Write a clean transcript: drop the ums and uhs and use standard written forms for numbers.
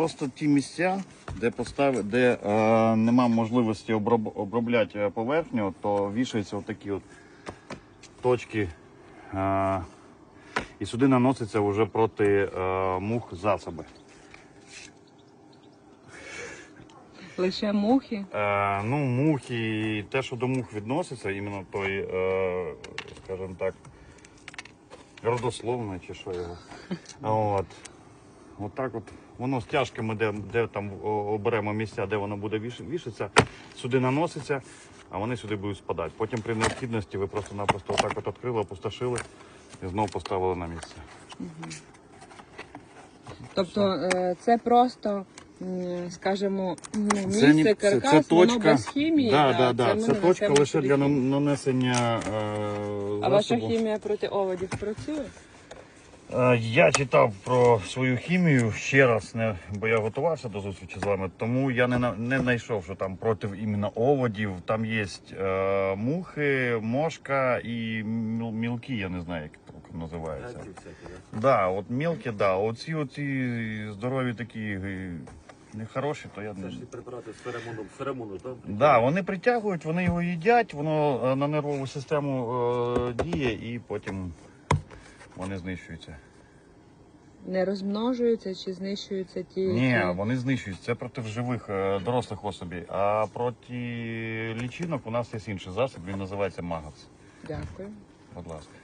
просто ті місця, де нема можливості обробляти поверхню, то вішаються отакі от точки. І сюди наноситься вже проти мух засоби. Лише мухи? Ну, мухи, те, що до мух відноситься, іменно той, скажімо так, родословний чи що його. От так от. Воно стяжками, де там оберемо місця, де воно буде вішатися, сюди наноситься, а вони сюди будуть спадати. Потім при необхідності ви просто-напросто отак от відкрили, опустошили і знову поставили на місце. Тобто це просто, скажімо, місце, каркас, воно без хімії? Так. Це точка лише для нанесення А ваша хімія проти оводів працює? Я читав про свою хімію ще раз, бо я готувався до зустрічі з вами, тому я не знайшов, що там проти іменно оводів. Там є мухи, мошка і мілкі, я не знаю, як це називається. Да, от мілкі, да. Оці здорові такі нехороші, то я не... Це ж препарати з феромону, так? Да, вони притягують, вони його їдять, воно на нервову систему діє і потім вони знищуються. Не розмножуються чи знищуються ті? Ні, вони знищуються. Це проти живих дорослих особей. А проти лічинок у нас є інший засіб, він називається Магас. Дякую. Будь ласка.